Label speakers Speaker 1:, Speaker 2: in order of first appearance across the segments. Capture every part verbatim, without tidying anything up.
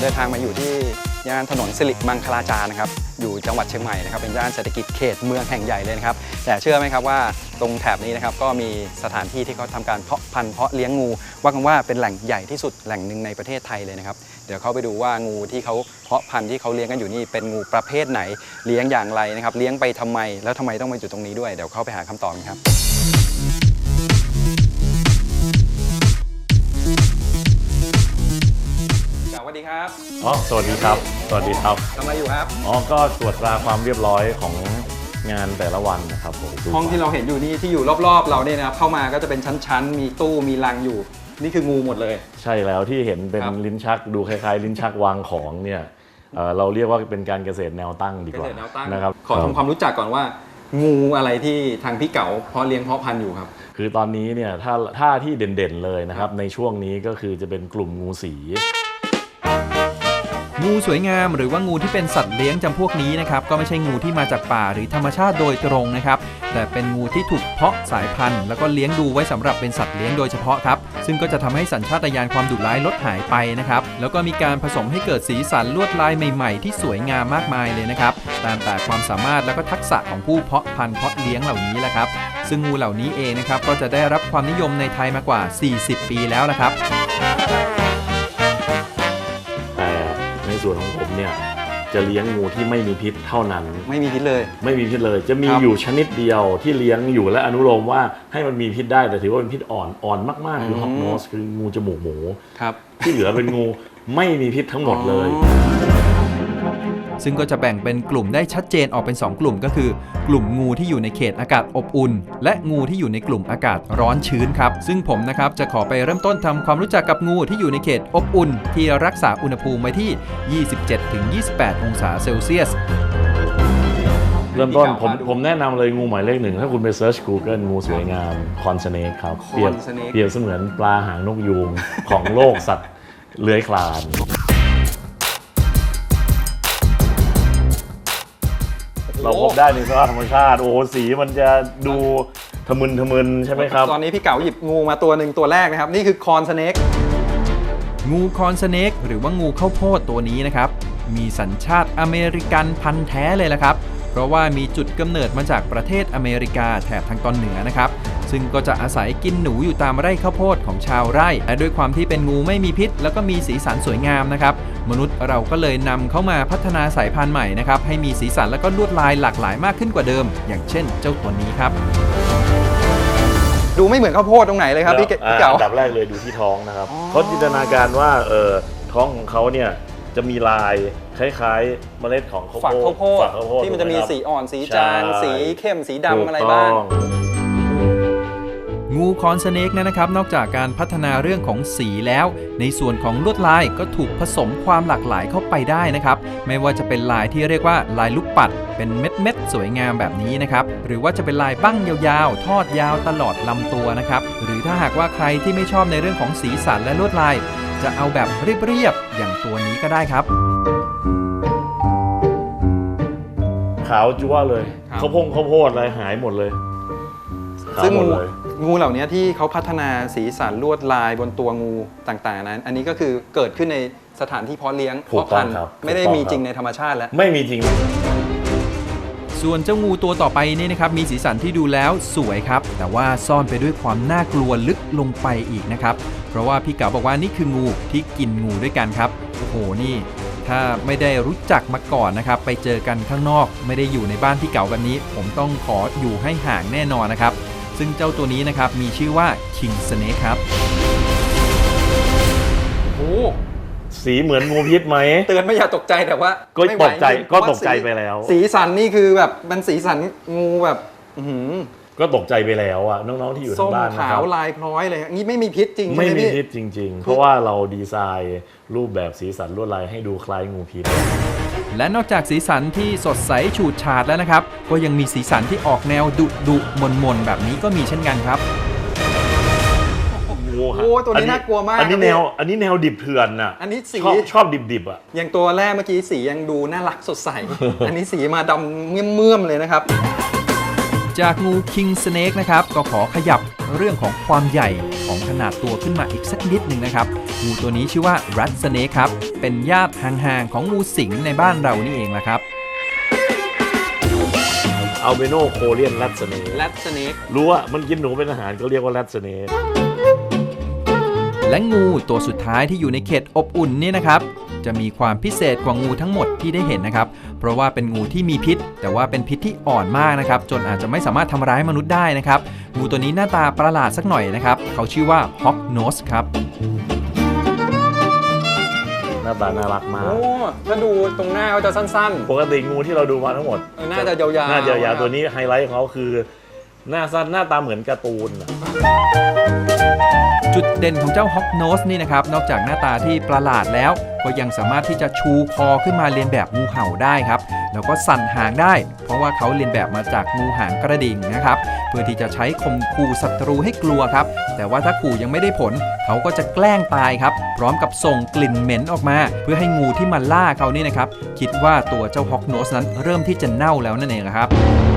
Speaker 1: เดินทางมาอยู่ที่ย่านถนนสิริมังคลาจารนะครับอยู่จังหวัดเชียงใหม่นะครับเป็นย่านเศรษฐกิจเขตเมืองแห่งใหญ่เลยนะครับแต่เชื่อไหมครับว่าตรงแถบนี้นะครับก็มีสถานที่ที่เขาทำการเพาะพันธุ์เพาะเลี้ยงงูว่ากันว่าเป็นแหล่งใหญ่ที่สุดแหล่งหนึ่งในประเทศไทยเลยนะครับเดี๋ยวเขาไปดูว่างูที่เขาเพาะพันธุ์ที่เขาเลี้ยงกันอยู่นี่เป็นงูประเภทไหนเลี้ยงอย่างไรนะครับเลี้ยงไปทำไมแล้วทำไมต้องมาอยู่ตรงนี้ด้วยเดี๋ยวเข้าไปหาคำตอบกันครับสวัสดีครับ
Speaker 2: อ๋อสวัสดีครับสวัสดีครับ
Speaker 1: ทำอะไรอยู่ครับ
Speaker 2: อ๋อก็ตรวจตราความเรียบร้อยของงานแต่ละวันนะครับผม
Speaker 1: ห้องที่เราเห็นอยู่นี่ที่อยู่รอบๆเราเนี่ยนะครับเข้ามาก็จะเป็นชั้นๆมีตู้มีรังอยู่นี่คืองูหมดเลย
Speaker 2: ใช่แล้วที่เห็นเป็นลิ้นชักดูคล้ายๆลิ้นชักวางของเนี่ยเอ่อเราเรียกว่าเป็นการเกษตรแนวตั้งดีกว่านะครับ
Speaker 1: ขอทำความรู้จักก่อนว่างูอะไรที่ทางพี่เก๋าเพาะเลี้ยงเพาะพันธุ์อยู่ครับ
Speaker 2: คือตอนนี้เนี่ยถ้าถ้าที่เด่นๆเลยนะครับในช่วงนี้ก็คือจะเป็นกลุ่มงูสี
Speaker 3: งูสวยงามหรือว่างูที่เป็นสัตว์เลี้ยงจำพวกนี้นะครับก็ไม่ใช่งูที่มาจากป่าหรือธรรมชาติโดยตรงนะครับแต่เป็นงูที่ถูกเพาะสายพันธุ์แล้วก็เลี้ยงดูไว้สำหรับเป็นสัตว์เลี้ยงโดยเฉพาะครับซึ่งก็จะทำให้สัญชาตญาณความดุร้ายลดหายไปนะครับแล้วก็มีการผสมให้เกิดสีสันลวดลายใหม่ๆที่สวยงามมากมายเลยนะครับตามแต่ความสามารถและก็ทักษะของผู้เพาะพันธุ์เพาะเลี้ยงเหล่านี้แหละครับซึ่งงูเหล่านี้เองนะครับก็จะได้รับความนิยมในไทยมากว่าสี่สิบปีแล้วละครับ
Speaker 2: ในส่วนของผมเนี่ยจะเลี้ยงงูที่ไม่มีพิษเท่านั้น
Speaker 1: ไม่มีพิษเลย
Speaker 2: ไม่มีพิษเลยจะมีอยู่ชนิดเดียวที่เลี้ยงอยู่และอนุโลมว่าให้มันมีพิษได้แต่ถือว่าเป็นพิษอ่อนอ่อนมากๆคือฮอกโนสคืองูจมูกหมูที่เหลือเป็นงูไม่มีพิษทั้งหมดเลย
Speaker 3: ซึ่งก็จะแบ่งเป็นกลุ่มได้ชัดเจนออกเป็นสองกลุ่มก็คือกลุ่มงูที่อยู่ในเขตอากาศอบอุ่นและงูที่อยู่ในกลุ่มอากาศร้อนชื้นครับซึ่งผมนะครับจะขอไปเริ่มต้นทำความรู้จักกับงูที่อยู่ในเขตอบอุ่นที่รักษาอุณหภูมิไว้ที่ ยี่สิบเจ็ดถึงยี่สิบแปด องศาเซลเซียส
Speaker 2: เริ่มต้นผมผมแนะนำเลยงูหมายเลขหนึ่งถ้าคุณไปเซิร์ช Google งูสวยงามคอนสเนกครับเปรียบเปรียบเสมือนปลาหางนกยูงของโลกสัตว์เลื้อยคลานเราพบได้ในสภาพธรรมชาติโอ้สีมันจะดูทะมึนทะมึนใช่ไหมครับ
Speaker 1: ตอนนี้พี่เก๋าหยิบงูมาตัวหนึ่งตัวแรกนะครับนี่คือคอนสเนก
Speaker 3: งูคอนสเนกหรือว่างูข้าวโพดตัวนี้นะครับมีสัญชาติอเมริกันพันธุ์แท้เลยละครับเพราะว่ามีจุดกำเนิดมาจากประเทศอเมริกาแถบทางตอนเหนือนะครับซึ่งก็จะอาศัยกินหนูอยู่ตามไร่ข้าวโพดของชาวไร่และด้วยความที่เป็นงูไม่มีพิษแล้วก็มีสีสันสวยงามนะครับมนุษย์เราก็เลยนำเข้ามาพัฒนาสายพันธุ์ใหม่นะครับให้มีสีสันและก็ลวดลายหลากหลายมากขึ้นกว่าเดิมอย่างเช่นเจ้าตัวนี้ครับ
Speaker 1: ดูไม่เหมือนข้าวโพดตรงไหนเลยครับพี่เก๋า
Speaker 2: อันดับแรกเลยดูที่ท้องนะครับเขาจินตนาการว่าเออท้องของเขาเนี่ยจะมีลายคล้ายๆเมล็ดของข้าวโพด
Speaker 1: ที่มันจะมีสีอ่อนสีจางสีเข้มสีดำอะไรบ้าง
Speaker 3: งูคอนสเนกนะครับนอกจากการพัฒนาเรื่องของสีแล้วในส่วนของลวดลายก็ถูกผสมความหลากหลายเข้าไปได้นะครับไม่ว่าจะเป็นลายที่เรียกว่าลายลูกปัดเป็นเม็ดๆสวยงามแบบนี้นะครับหรือว่าจะเป็นลายบั้งยาวๆทอดยาวตลอดลำตัวนะครับหรือถ้าหากว่าใครที่ไม่ชอบในเรื่องของสีสันและลวดลายจะเอาแบบเรียบๆอย่างตัวนี้ก็ได้ครับ
Speaker 2: ขาวจั๊วเลยข้าวโพดข้าวโพดอะไรหายหมดเลย
Speaker 1: ซึ่งงูเหล่านี้ที่เขาพัฒนาสีสันลวดลายบนตัวงูต่างๆนั้นอันนี้ก็คือเกิดขึ้นในสถานที่เพาะเลี้ยงเพาะพันธุ์ไม่ได้มีจริงในธรรมชาติแล้ว
Speaker 2: ไม่มีจริง
Speaker 3: ส่วนเจ้างูตัวต่อไปนี่นะครับมีสีสันที่ดูแล้วสวยครับแต่ว่าซ่อนไปด้วยความน่ากลัวลึกลงไปอีกนะครับเพราะว่าพี่เก๋าบอกว่านี่คืองูที่กินงูด้วยกันครับโอ้โหนี่ถ้าไม่ได้รู้จักมาก่อนนะครับไปเจอกันข้างนอกไม่ได้อยู่ในบ้านพี่เก๋าแบบนี้ผมต้องขออยู่ให้ห่างแน่นอนนะครับซึ่งเจ้าตัวนี้นะครับมีชื่อว่า King Snake ครับ
Speaker 1: โอ้
Speaker 2: สีเหมือนงูพิษไหม
Speaker 1: เตือนไม่อย่าตกใจแต่ว่า
Speaker 2: ก็ตกใจก็ตกใจไปแล้ว
Speaker 1: สีสันนี่คือแบบมันสีสันงูแบบ
Speaker 2: ก็ตกใจไปแล้วอ่ะน้องๆที่อยู่ทางบ้านนะครับ
Speaker 1: ส้มขาวลายพร้อยเลยนี่ไม่มีพิษจริง
Speaker 2: ไม่มีพิษจริงๆเพราะว่าเราดีไซน์รูปแบบสีสันลวดลายให้ดูคล้ายงูพิษ
Speaker 3: และนอกจากสีสันที่สดใสฉูดฉาดแล้วนะครับก็ยังมีสีสันที่ออกแนวดุดุมนมนแบบนี้ก็มีเช่นกันครับ
Speaker 1: โอ้ตัวนี้น่ากลัวมาก
Speaker 2: อันนี้แนวอันนี้แนวดิบเถื่อนน่ะ
Speaker 1: อันนี้สี
Speaker 2: ชอบดิบๆอ่ะ
Speaker 1: อย่างตัวแรกเมื่อกี้สียังดูน่ารักสดใสอันนี้สีมาดำเมื่อมๆเลยนะครับ
Speaker 3: จากงู King Snake นะครับก็ขอขยับเรื่องของความใหญ่ของขนาดตัวขึ้นมาอีกสักนิดหนึ่งนะครับงูตัวนี้ชื่อว่า Rat Snake ครับเป็นญาติห่างๆของงูสิงในบ้านเรานี่เองแหละครับ
Speaker 2: อัลเบโนโคเรียนแรดสเนก
Speaker 1: แรดสเนก
Speaker 2: รู้ว่ามันกินหนูเป็นอาหารก็เรียกว่าแรดสเนก
Speaker 3: และงูตัวสุดท้ายที่อยู่ในเขตอบอุ่นนี่นะครับจะมีความพิเศษกว่างูทั้งหมดที่ได้เห็นนะครับเพราะว่าเป็นงูที่มีพิษแต่ว่าเป็นพิษที่อ่อนมากนะครับจนอาจจะไม่สามารถทำร้ายมนุษย์ได้นะครับงูตัวนี้หน้าตาประหลาดสักหน่อยนะครับเขาชื่อว่า Hawk Nose ครับ
Speaker 2: หน้าตาน่ารักมาก
Speaker 1: โอ้ถ้าดูตรงหน้าเขาจะสั้น
Speaker 2: ปกติงูที่เราดูมาทั้งหมด
Speaker 1: เออน่าจะยาวๆ
Speaker 2: น่าจะยาวๆตัวนี้ไฮไลท์ของเขาคือ หน้าสั้นหน้าตาเหมือนการ์ตูนอะ
Speaker 3: จุดเด่นของเจ้า Hawk Nose นี่นะครับนอกจากหน้าตาที่ประหลาดแล้วก็ยังสามารถที่จะชูคอขึ้นมาเลียนแบบงูเห่าได้ครับแล้วก็สั่นหางได้ เพราะว่าเขาเลียนแบบมาจากงูหางกระดิ่งนะครับเพื่อที่จะใช้ข่มขู่ศัตรูให้กลัวครับแต่ว่าถ้าขู่ยังไม่ได้ผลเขาก็จะแกล้งตายครับพร้อมกับส่งกลิ่นเหม็นออกมา เพื่อให้งูที่มาล่าเขานี่นะครับคิดว่าตัวเจ้า Hawk Nose นั้นเริ่มที่จะเน่าแล้วนั่นเองครับ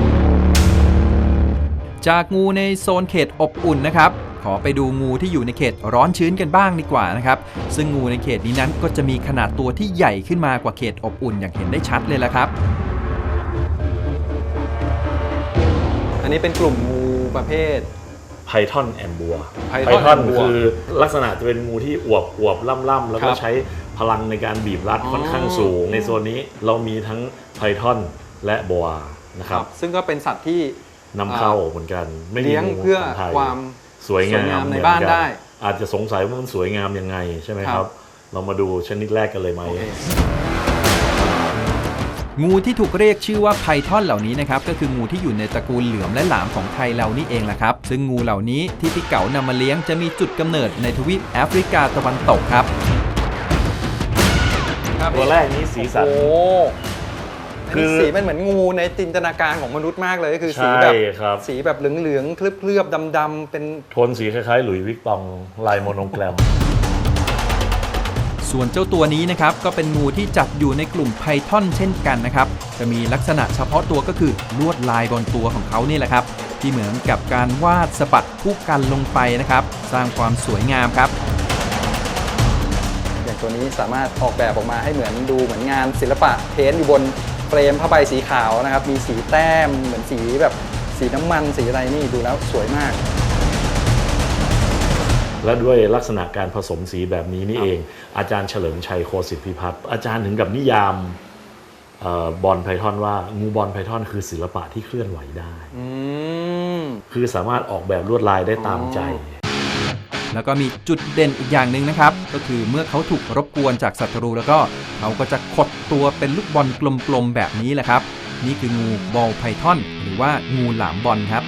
Speaker 3: จากงูในโซนเขตอบอุ่นนะครับขอไปดูงูที่อยู่ในเขตร้อนชื้นกันบ้างดีกว่านะครับซึ่งงูในเขตนี้นั้นก็จะมีขนาดตัวที่ใหญ่ขึ้นมากว่าเขตอบอุ่นอย่างเห็นได้ชัดเลยละครับ
Speaker 1: ๆอันนี้เป็นกลุ่มงูประเภท
Speaker 2: ไพทอนแอมบัว
Speaker 1: Python แอมบัว
Speaker 2: คือลักษณะจะเป็นงูที่อวบอวบล่ำล่ำๆแล้วก็
Speaker 1: ครับ
Speaker 2: ใช้พลังในการบีบรัด
Speaker 1: อ๋อ
Speaker 2: ค่อนข้างสูง ในโซนนี้เรามีทั้งไพทอนและบัวนะครับ
Speaker 1: ซึ่งก็เป็นสัตว์ที่
Speaker 2: นำเข้าเหมือนกันไม่มี
Speaker 1: เลี้ยง
Speaker 2: งู
Speaker 1: เพื่อ
Speaker 2: ของไทย
Speaker 1: ความ
Speaker 2: สวยงาม
Speaker 1: สวยงามใน
Speaker 2: เหมือ
Speaker 1: บ้าน
Speaker 2: กั
Speaker 1: ได้
Speaker 2: อาจจะสงสัยว่ามันสวยงามยังไงใช่ไหมค
Speaker 1: ครั
Speaker 2: รับ
Speaker 1: บ
Speaker 2: เรามาดูชนิดแรกกันเลยไหม
Speaker 1: โอเค
Speaker 3: งูที่ถูกเรียกชื่อว่าไพทอนเหล่านี้นะครับก็คืองูที่อยู่ในตระกูลเหลือมและหลามของไทยเรานี่เองแหละครับซึ่งงูเหล่านี้ที่พี่เก๋านำมาเลี้ยงจะมีจุดกำเนิดในทวีปแอฟริกาตะวันตกครับ
Speaker 2: ตัวแรกนี้สีสัน
Speaker 1: โอ้
Speaker 2: คื
Speaker 1: คือ
Speaker 2: อ
Speaker 1: สีมันเหมือนงูในจินตนาการของมนุษย์มากเลยก็คือสี
Speaker 2: ใช่
Speaker 1: แบบ
Speaker 2: ครับ
Speaker 1: สีแบบเหลืองๆเคลือบๆดำๆเป็น
Speaker 2: โทนสีคล้ายๆ หลุยส์วิกตองลายโมโนแกรม
Speaker 3: ส่วนเจ้าตัวนี้นะครับก็เป็นงูที่จัดอยู่ในกลุ่มไพทอนเช่นกันนะครับจะมีลักษณะเฉพาะตัวก็คือลวดลายบนตัวของเขานี่แหละครับที่เหมือนกับการวาดสะบัดคู่กันลงไปนะครับสร้างความสวยงามครับ
Speaker 1: อย่างตัวนี้สามารถออกแบบออกมาให้เหมือนดูเหมือนงานศิลปะเพ้นท์อยู่บนเฟรมผ้าใบสีขาวนะครับมีสีแต้มเหมือนสีแบบสีน้ำมันสีอะไรนี่ดูแล้วสวยมาก
Speaker 2: และด้วยลักษณะการผสมสีแบบนี้นี่เอง อาจารย์เฉลิมชัยโคสิทธิพิพัฒน์อาจารย์ถึงกับนิยามเอ่อบอลไพทอนว่างูบอลไพทอนคือศิลปะที่เคลื่อนไหวได้
Speaker 1: อืม
Speaker 2: คือสามารถออกแบบลวดลายได้ตามใจ
Speaker 3: แล้วก็มีจุดเด่นอีกอย่างหนึ่งนะครับก็คือเมื่อเขาถูกรบกวนจากศัตรูแล้วก็เขาก็จะขดตัวเป็นลูกบอลกลมๆแบบนี้แหละครับนี่คืองูบอลไพทอนหรือว่างูหลามบอลครับ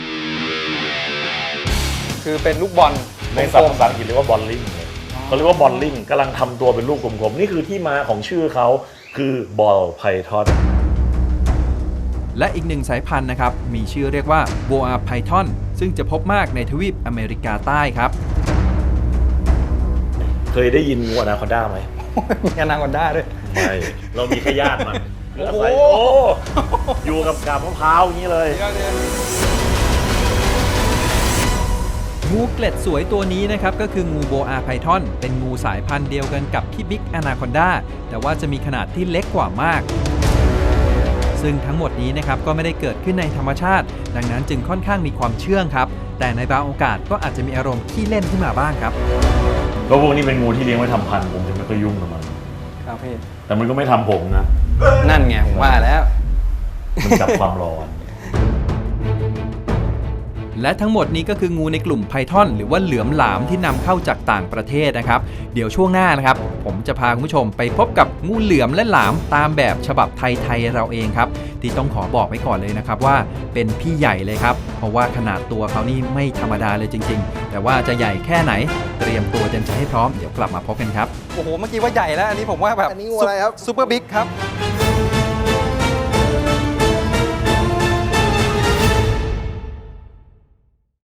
Speaker 1: คือเป็นลูกบอล
Speaker 2: ในศัพท์ภาษาอังกฤษเรียกว่าบอลลิงเขาเรียกว่าบอลลิงกำลังทำตัวเป็นลูกกลมๆนี่คือที่มาของชื่อเขาคือบอลไพทอน
Speaker 3: และอีกหนึ่งสายพันธุ์นะครับมีชื่อเรียกว่า Boa Python ซึ่งจะพบมากในทวีปอเมริกาใต้ครับ
Speaker 2: เคยได้ยินงูอนาคอนด้าไหม
Speaker 1: มีอนาคอนด้าด้วย
Speaker 2: ไม่ เรามีแค่ญาติมัน
Speaker 1: โอ้โห
Speaker 2: อาศัยโอ้อยู่กับกาบมะพร้าวอย่างนี้เลย
Speaker 3: งูเกล็ดสวยตัวนี้นะครับก็คืองูโบอาไพทอนเป็นงูสายพันธุ์เดียวกันกับที่บิ๊กอนาคอนดาแต่ว่าจะมีขนาดที่เล็กกว่ามาก ซึ่งทั้งหมดนี้นะครับก็ไม่ได้เกิดขึ้นในธรรมชาติ ดังนั้นจึงค่อนข้างมีความเชื่องครับแต่ในบางโอกาสก็อาจจะมีอารมณ์ขี้เล่นขึ้นมาบ้างครับ
Speaker 2: ก็พวกนี้เป็นงูที่เลี้ยงไว้ทำพันธุ์ผมจะไม่ค่อยยุ่งกับมัน
Speaker 1: ครับพี่
Speaker 2: แต่มันก็ไม่ทำผมนะ
Speaker 1: นั่นไงผมว่าแล้ว
Speaker 2: มันจับความร้อน
Speaker 3: และทั้งหมดนี้ก็คืองูในกลุ่มไพทอนหรือว่าเหลือมหลามที่นำเข้าจากต่างประเทศนะครับเดี๋ยวช่วงหน้านะครับผมจะพาคุณผู้ชมไปพบกับงูเหลือมและหลามตามแบบฉบับไทยๆเราเองครับที่ต้องขอบอกไว้ก่อนเลยนะครับว่าเป็นพี่ใหญ่เลยครับเพราะว่าขนาดตัวเขานี่ไม่ธรรมดาเลยจริงๆแต่ว่าจะใหญ่แค่ไหนเตรียมตัวเต็มใจให้พร้อมเดี๋ยวกลับมาพบกันครับ
Speaker 1: โอ้โห เมื่อกี้ว่าใหญ่แล้ว อันนี้ผมว่าแบบ
Speaker 4: อันนี้งูอะไรครับ
Speaker 1: ซุปเปอร์บิ๊กครับ